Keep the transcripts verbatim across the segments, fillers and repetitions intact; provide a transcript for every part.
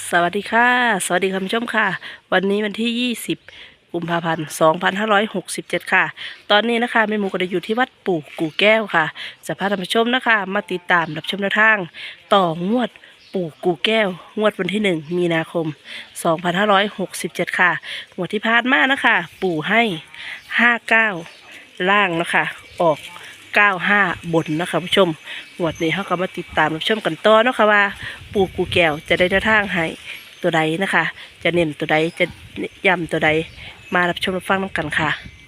สวัสดีค่ะสวัสดีคุณผู้ชมค่ะวันนี้วันที่ยี่สิบกุมภาพันธ์สองพันห้าร้อยหกสิบเจ็ดค่ะตอนนี้นะคะแม่หมูก็ได้อยู่ที่วัดปู่กู่แก้วค่ะจะพาท่านผู้ชมนะคะมาติดตามรับชมแนวทางต่องวดปู่กู่แก้วงวดวันที่หนึ่งมีนาคมสองพันห้าร้อยหกสิบเจ็ดค่ะงวดที่ผ่านมานะคะปู่ให้ห้าเก้าล่างนะคะออกเก้าห้าบนนะคะผู้ชมงวดนี้เขาก็มาติดตามรับชมกันต่อเนาะค่ะว่าปู่กู่แก้วจะได้แนวทางให้ตัวใดนะคะ จะเน้นตัวใดจะย้ำตัวใดมารับชมรับฟังน้ำกันค่ะ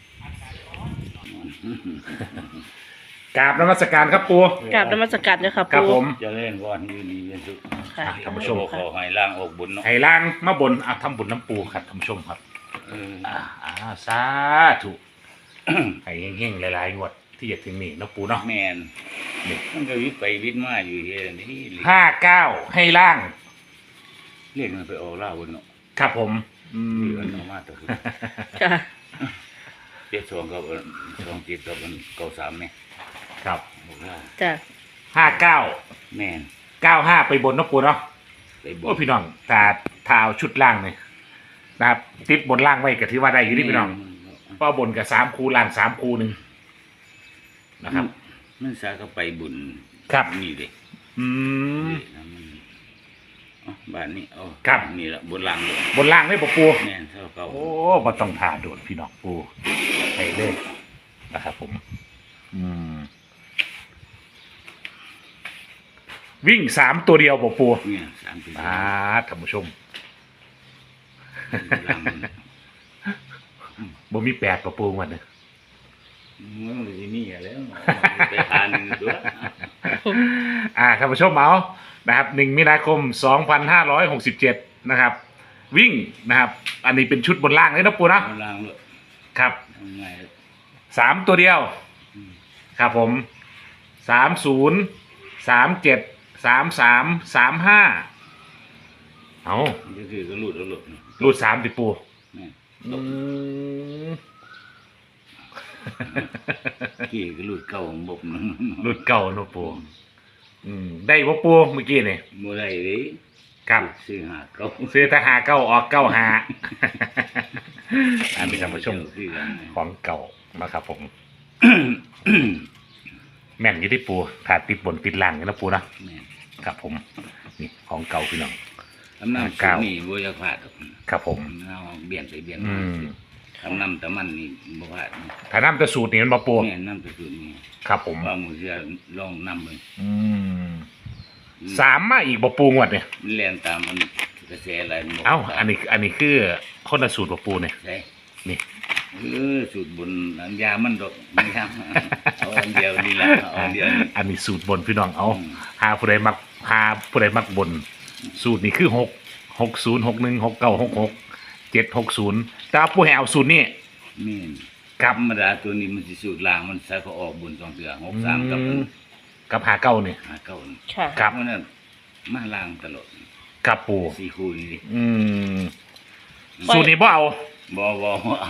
กราบนมัสการครับปูกราบนมัสการเจ้าค่ะครับปู่ผมเจะเล่นก่อนยืนดีเป็นสุขค่ะท่านผู้ชมขอให้ล่างออกบุญเนาะไห้ล่างมาบนเอาทำบุญน้ำปูครับท่านผู้ชมครับเอออ่าอ่าสาธุไห้เฮงๆหลายๆงวดที่จะถึงนี่เนาะปูเนาะแมนมันก็วิทย์ไปวิทย์มาอยู่เฮียนี่ห้าเก้าให้ล่างเรียกมันไปออกล่าบนเนาะครับผมอืมีมมันออกมาตัวค่ะเจ็ดสองกับสองเจ็ดกับเก้าสามเนี่ยครับออกล่าจ้ะห้าเก้าแมนเก้าห้าไปบนเนาะปูเนาะไปบโอ้อกพี่น้องตาเท้าชุดล่างเนี่ยนะครับติดบนล่างไว้กับที่ว่าได้อยู่นี่พี่น้องเพราะบนกับสามคูล่างสามคูหนึ่งนะครับมันสาก็ไปบุญครับนี่เด็กอืมบ้านนี้เอาครับนี่แหละบนล่างเลยบนล่างได้ปะปูแมนเท่าเก่าโอ้มาต้องทาโดดพี่น้องปูไอ้เลขนะครับผม อืม วิ่งสามตัวเดียวปะปูเนี่ยสามสิบอ่าท่านผู้ชมล่างมันบ่มีแปดปะปูวันเนี่ยมันเลยที่นี่แล้วไปทานด้วยอ่าท่านผู้ชมเอานะครับหนึ่งมีนาคมสองพันห้าร้อยหกสิบเจ็ดนะครับ วิ่งนะครับ อันนี้เป็นชุดบนล่างเลยนะปูนะล่างเลยครับทำไงสามตัวเดียว ครับผมสามศูนย์สามเจ็ดสามสามสามห้าเอาก็คือก็หลุดแล้วหลุดรูดสามติปูนี่อืมกี่ก็หลุดเก่าของบบนึงรูดเก่าเนอะปูอืมได้ปะปูเมื่อกี้นี่โมได้เลยครับซื้อหาเก่าซื้อทหารเก้าออกเก้าหา อันนี้ท่านผู้ชมซื้อกันของเก่านะครับผม แม่นอยี่ที่ปูถ้าติดบนติดล่างนี่นะปูนะแม่ครับผม นี่ของเก่าพี่น้องทำน้ำเก้านี่บัวยาพลาดครับผมเอาเบี่ยนไปเบี่ยนอืมาม ทำน้ำแต่มันนี่บัวพลาดถ้าน้ำจะสูตรนี่มันมาปูแม่น้ำตัวสุดนี่ครับผมว่ามือเสียลองน้ำเลยอืมสามมาอีกบปูงวดเนี่ยมันแล่นตามมันกระแสอะไรมันเอ้า อันนี้ อันนี้คือคนละสูตรบปูเนี่ยใช่นี่เออสูตรบนอันยามันดอกไม่ทำเอาอันเดียวนี่แหละเอาอันเดียวนี่อันนี้สูตรบนพี่น้องเอาอืมหาผู้ใดมักหาผู้ใดมักบน สูตรนี้คือหกหกศูนย์หกหนึ่งหกเก้าหกหกเจ็ดหกศูนย์แต่ว่าผู้ให้เอาสูตรนี้นี่ครับธรรมดาตัวนี้มันสิสูตรล่างมันใส่เขาออกบนสองเสือหกสามกับอืมกับหาเก้าเนี่ยหาเก้านี่ค่ะครับเพราะนั้นมาล่างตลอดกับปูสี่คู่นี่ดิอืมสูตรนี้บ่เอาบ่บ่เอา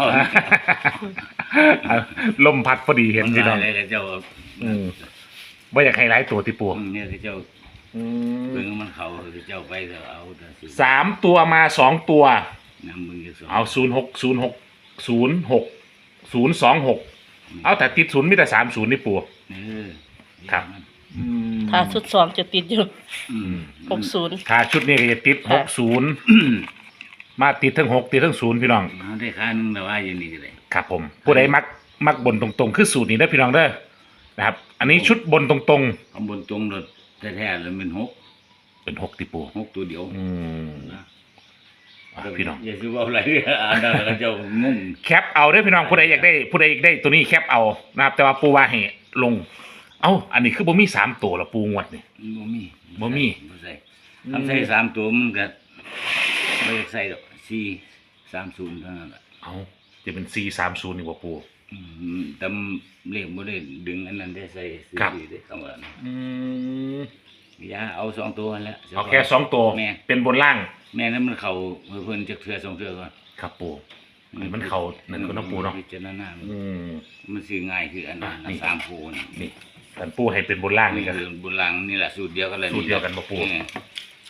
ลมพัดพอดีเห็นพี่น้องอะไรก็เจ้าอืมบ่อยากให้หลายตัวที่ปูอืมเนี่ยก็เจ้าอืเบิ่งมมันเขาก็เจ้าไปก็เอาแต่สิสามตัวมาสองตัวนำมึงจะสอนเอาศูนย์หกศูนย์หกศูนย์หกศูนย์สองหกเอาแต่ติดศูนย์มีแต่สามศูนย์นี่ปูเออครับถ้าชุดสองจะติดอยู่อืมหกศูนย์ถ้าชุดนี้ก็จะติดหกศูนย์มาติดทั้งหกติดทั้งศูนย์พี่น้องเอาได้ค่านึงแต่ว่าอย่างนี้ก็ได้ครับผม ผู้ใดมักมักบนตรงๆ คือสูตรนี้ได้อพี่น้องเด้อนะครับ อันนี้ชุดบนตรงเอาบนตรงรถแท้ๆแล้วมันหกๆ เป็นหกติปูหกตัวเดียวอืมอ่ะพี่น้องอย่าซื้อว่าอะไรอ่านแล้วก็เจ้างงแคปเอาเด้อพี่น้องผู้ใดอยากได้ผู้ใดอยากได้ตัวนี้แคปเอานะครับ แต่ว่าปูว่าให้ลง เอ้าอันนี้คือบ่มีสามตัวละปูงวดนี่บ่มีบ่มีบ่ใส่ทำใส่สามตัวมันก็ไม่ได้ใส่ดอกสี่สามศูนย์เท่านั้นแหละเอ้าจะเป็นสี่สามศูนย์นี่บ่ปูอืมแต่เลขบ่ได้ดึงอันนั้นได้ใส่ซื้อครับได้คำว่านั้นอืมอย่าเอาสองตัวนั่นแหละเอาแค่สองตัวแม่เป็นบนล่างแม่นั้นมันเข้าเพิ่นจักเทื่อสองเทื่อก่อนครับปูนี่มันเข้านั่นก็น้องปูเนาะพิจารณาอืมมันซื้อง่ายคืออันนั้นอ่ะนี่สามคู่นี่นี่กันปูให้เป็นบนล่างนี่นี่ก็คือบุญลังนี่แหละสูตรเดียวกันเลยสูตรเดียวกันบ่ปู่เออ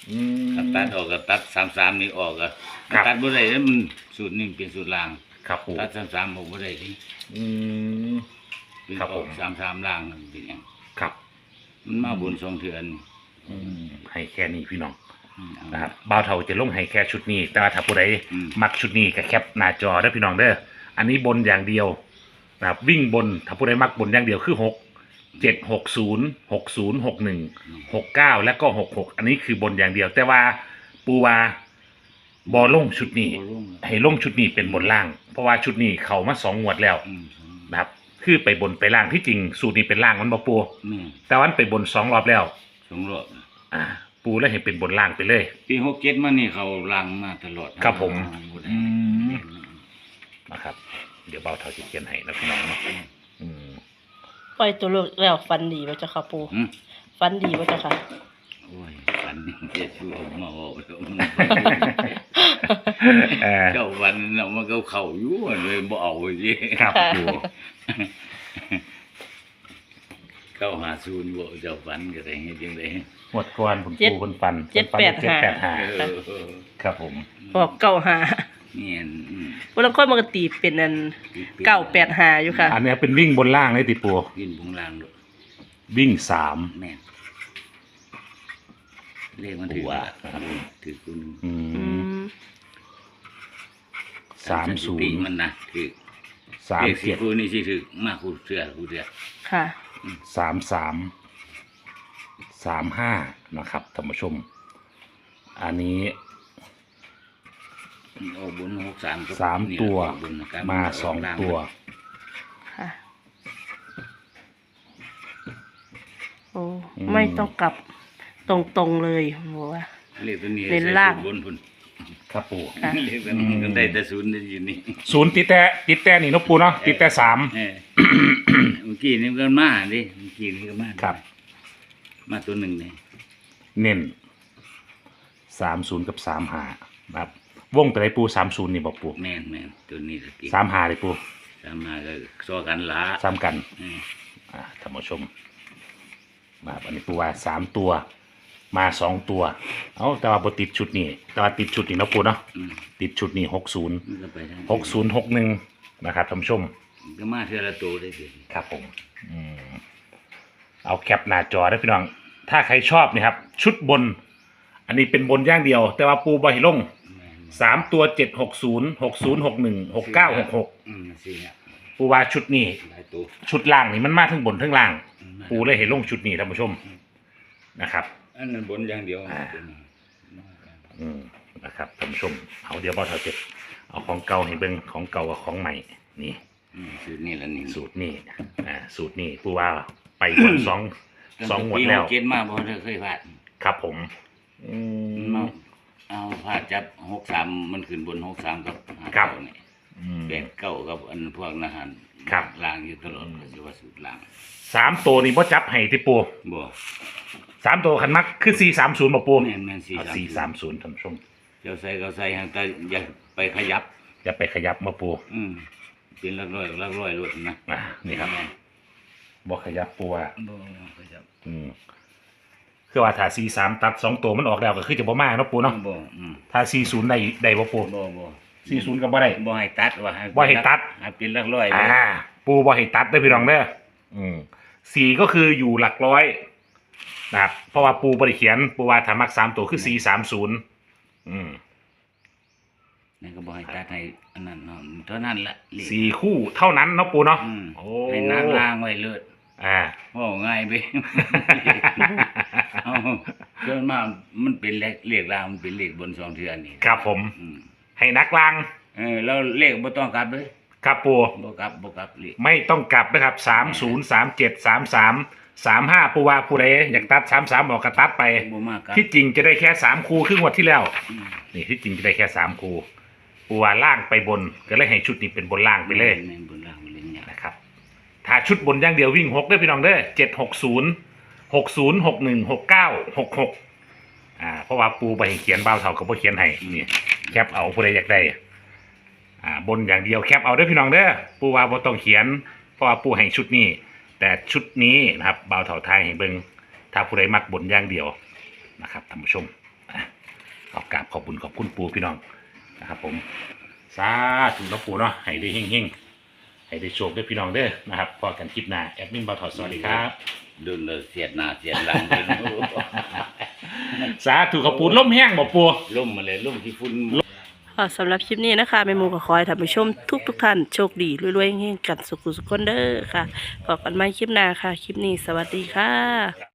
อืมถ้าตัดออกก็ตัดสามสามนี่ออกก็ครับตัดบ่ได้แล้วมันสูตรหนึงเป็นสูตรล่างครับปูตัดสามสามผมบ่ได้ที่อืมเป็นครับอผอกมสามสามล่างนั่นเป็นหยังครับมันมาบนสองเทือนอืมให้แค่นี้พี่น้องอืมเอานะครับบ่าวเฒ่าจะลงให้แค่ชุดนี้ แต่ว่าถ้าผู้ใดอืมมักชุดนี้ก็แคปหน้าจอได้อพี่น้องเด้ออันนี้บนอย่างเดียวนะครับวิ่งบนถ้าผู้ใดมักบนอย่างเดียวคือหกเจ็ดหกศูนย์หกศูนย์หกหนึ่งหกเก้าแล้วก็หกหกอันนี้คือบนอย่างเดียว แต่ว่าปูวาบอลงชุดนี้บ่ลงให้ลงชุดนี้เป็นบนล่าง เพราะว่าชุดนี้เขามาสองงวดแล้วอืมนะครับ คือไปบนไปล่างที่จริงสูตรนี้เป็นล่างมันบ่ปูแม่แต่วันไปบนสองรอบแล้วสองรอบอ่า ปูแล้วเห็นเป็นบนล่างไปเลยปีหกเจ็ดมานี่เขาล่างมาตลอดครับผมบ่ได้อืม นะครับ เดี๋ยวเบาเท่าที่เขียนให้นะพี่น้องเนาะอืมปล่อยตัวเลือกแล้วฟันดีบ่เจ้าค่ะปูอืมฟันดีบ่เจ้าค่ะโอ้ยฝันนี่จะช่วยมาบอกแล้วมันเออเจ้าวันน่ะมันก็เข้าอยู่เลยบ่เอาสิครับปูเข้าหาศูนย์บ่เจ้าฝันก็ได้เฮ็ดจังได๋หมดก่อนผมเจ็ดปูคนฟันเจ็ดแปดเจ็ดห้าแปดห้าเออครับผมบอกเก้าหานี่อันอืมบางคนมันก็ตีเป็นอันเก้าแปดหาอยู่ค่ะอันเนี้ยเป็นวิ่งบนล่างเลยติปูกินบุงลางโลดวิ่งสามแม่นเลขมันถือว่าถือคุณอือืมมสามศูนปีย์มันนะถือสามเลขสิเจ็ดคูนี่สิถือมากคูเสือคูเสือค่ะสามสามสามห้านะครับท่านผู้ชม อันนี้โอ้บุญหกสามก็สามนี่ตัวบุญนะครับมาสองล่าตัวค่ะ โอ้ ไม่ต้องกลับตรงๆเลยบอกว่าเลขตัวนี้เน้นล่างใส่ศูนย์บนพุ่นครับปูค่ะเลขตัวนี้มันได้แต่ศูนย์ได้อยู่นี่ศูนย์ติดแต่ติดแต่นี่เนกปูเนาะติดแต่สามเออ เมื่อกี้นี่มันก็มาดิเมื่อกี้นี่ก็มาครับมาตัวหนึ่งเนี่ยเน้นสามศูนย์กับสามหาครับวงแต่ไรปูสามศูนย์นี่บอกปูแม่นแม่นตัวนี้ตะกี้สามหาเลยปูสามมาก็ซ้อกันละซ้ำกันเอออ่าท่านผู้ชมมาอันนี้ปูว่าสามตัว มาสองตัว เอาแต่ว่าบติดชุดนี้แต่ว่าติดชุดนี้เนาะปูเนาะอืมติดชุดนี้หกศูนย์มันก็ไปทางหกศูนย์หกหนึ่งนะครับท่านผู้ชมมันก็มาเท่าละตัวได้สิครับผมอืมเอาแคปหน้าจอได้พี่น้อง ถ้าใครชอบนี่ครับ ชุดบน อันนี้เป็นบนอย่างเดียว แต่ว่าปูบอหิลงแม่นสามตัวเจ็ดหกศูนย์หกศูนย์หกหนึ่งหกเก้าหกหกอืมสี่อ่ะปูว่าชุดนี้หลายตัวชุดล่างนี่มันมาทั้งบนทั้งล่างอืมปูเลยเห็นลงชุดนี้ท่านผู้ชมนะครับอันนั้นบนอย่างเดียวอ่า อืมนะครับท่านผู้ชม เอาเดี๋ยวบอสเอาเจ็บเอาของเก่าให้เบิ่งของเก่ากับของใหม่นี่อืมสูตรนี้ละนี่สูตรนี่อ่าสูตรนี่ปูว่าไปบนสองสองหมวดแล้วเกณฑ์มาบ่ได้เคยพลาดครับผมอืมันมมาเอาพลาดจับหกสามมันขึ้นบนหกสามกับห้าครับเก้านี่อืมแปดเก้ากับอันพวกนาหารครับล่างอยู่ตลอดก็สิว่าสูตรล่างสามตัวนี่พ่จับให้ที่ปูบ่สามตัวขันมักคือสี่สามศูนย์บ่ปูแม่นแม่นสี่เอาสี่สามศูนย์ท่านผู้ชมเจ้าใส่ก็ใส่หางแต่อย่าไปขยับอย่าไปขยับมาปูอืมเป็นหลักร้อยหลักร้อยรถนะอ่านี่ครับบ่ขยับปูว่าบ่ขยับอืมคือว่าถ้าสี่สามตัดสองตัวมันออกแล้วก็คือจะบ่มากเนาะปูเนาะบ่อืมถ้าสี่ศูนย์ได้ได้บ่ปูบ่บ่สี่ศูนย์ก็บ่ได้บ่ให้ตัดว่าบ่ให้ตัดให้เป็นหลักร้อยเลยอ่า ปูบ่ให้ตัดเด้อพี่น้องเด้ออืมสี่ก็คืออยู่หลักร้อยนะครับเพราะว่าปูบ่ได้เขียนปูว่าถ้ามักสามตัวคือสี่สามศูนย์อืมนั่นก็บ่ให้ตัดให้อันนั้นเนาะเท่านั้นละเลขสี่คู่เท่านั้นเนาะปูเนาะอืมโอ้ให้นักล่างไว้เลิศอ่าโอ้ง่ายไป เอาเกินมามันเป็นเลขเลขล่างมันเป็นเลขบนสองเทือนนี่ครับผมอืมให้นักลางเออแล้วเลขบ่ต้องกลับเลยครับปูบ่กลับบ่กลับเลขไม่ต้องกลับนะครับสามศูนย์สามเจ็ดสามสามสามห้าปูว่าปูใดอยากตัดสามสามบอกกระตัดไปบ่มากกลับที่จริงจะได้แค่สามคูครึ่งวันที่แล้วอืมนี่ที่จริงจะได้แค่สามคูปูว่าล่างไปบนก็เลยให้ชุดนี้เป็นบนล่างไปเลยแม่นบนล่างมันเล่นยากนะครับ ถ้าชุดบนอย่างเดียววิ่งหกได้อพี่น้องเด้อเจ็ดหกศูนย์หกศูนย์หกหนึ่งหกเก้าหกหกอ่าเพราะว่าปูไปให้เขียนเบ้าเท่ากับพ่เขียนให้นี่แคปเอาผู้ใดอยากได้อ่าบนอย่างเดียวแคปเอาเด้อพี่น้องเด้อปูว่าบ่ต้องเขียนเพราะว่าปูให้ชุดนี้ แต่ชุดนี้นะครับเบาเท่าไทยให้เบิ่งถ้าผู้ใดมักบนอย่างเดียวนะครับท่านผู้ชมอ่าขอบกราบขอบบุญขอบคุณปูพี่น้องนะครับผมสาธุนะปูเนาะให้ได้เฮงๆให้ได้โชคได้พี่น้องเด้อนะครับพอกันคลิปหน้าแอดมินบ่าวถอดสวัสดีครับดุนเลยเสียดหน้าเสียดหลังเลยสาธุขอบปูล่มแห้งบ่ปูล่มมาเลยล่มที่ฝุ่นค่ะสำหรับคลิปนี้นะคะแม่หมูก็ขอให้ท่านผู้ชมทุกทุกๆท่านโชคดีรวยๆเฮงๆกันสุขุสุขคนเด้อค่ะพบกันใหม่คลิปหน้าค่ะ คลิปนี้สวัสดีค่ะ